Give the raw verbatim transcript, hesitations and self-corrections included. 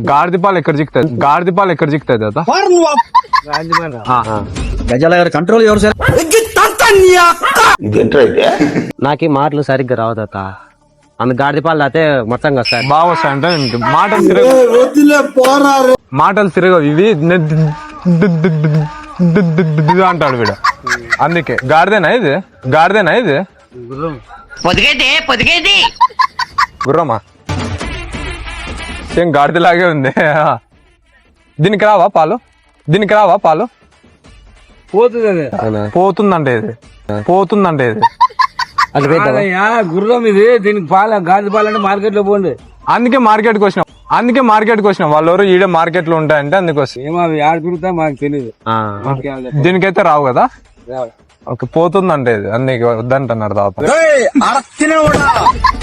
గాడిద పాలు ఎక్కడ చిక్కుతాయి గాడిద పాలు ఎక్కడ చిక్కుతాయి తాత గజాల గారు కంట్రోల్ ఎవరు సార్ నాకు మాటలు సరిగ్గా రావు తాత అందు గాడిద పాలు తాతే మొత్తం వస్తాయి బాగా వస్తాయంటే మాటలు తిరగ మాటలు తిరగవు ఇవి అంటాడు వీడు అందుకే గాడిదేనా ఇది గాడిదేనా ఇది గుర్రమా సేమ్ గాడిదలాగే ఉంది దీనికి రావా పాలు దీనికి రావా పాలు పోతుంది పోతుందంటే ఇది పోతుందంటే ఇది గుర్రం ఇది దీనికి పాల గాడి పాలంటే మార్కెట్ లో పోండి అందుకే మార్కెట్ కి వచ్చినాం అందుకే మార్కెట్ కి వచ్చినాం వాళ్ళు ఎవరు ఈడే మార్కెట్ లో ఉంటాయంటే అందుకోసం ఏమో అవి ఆడ తిరుగుతా మాకు తెలియదు దీనికైతే రావు కదా ఓకే పోతుందంటే ఇది అందుకే వద్దంటున్నారు దాదాపు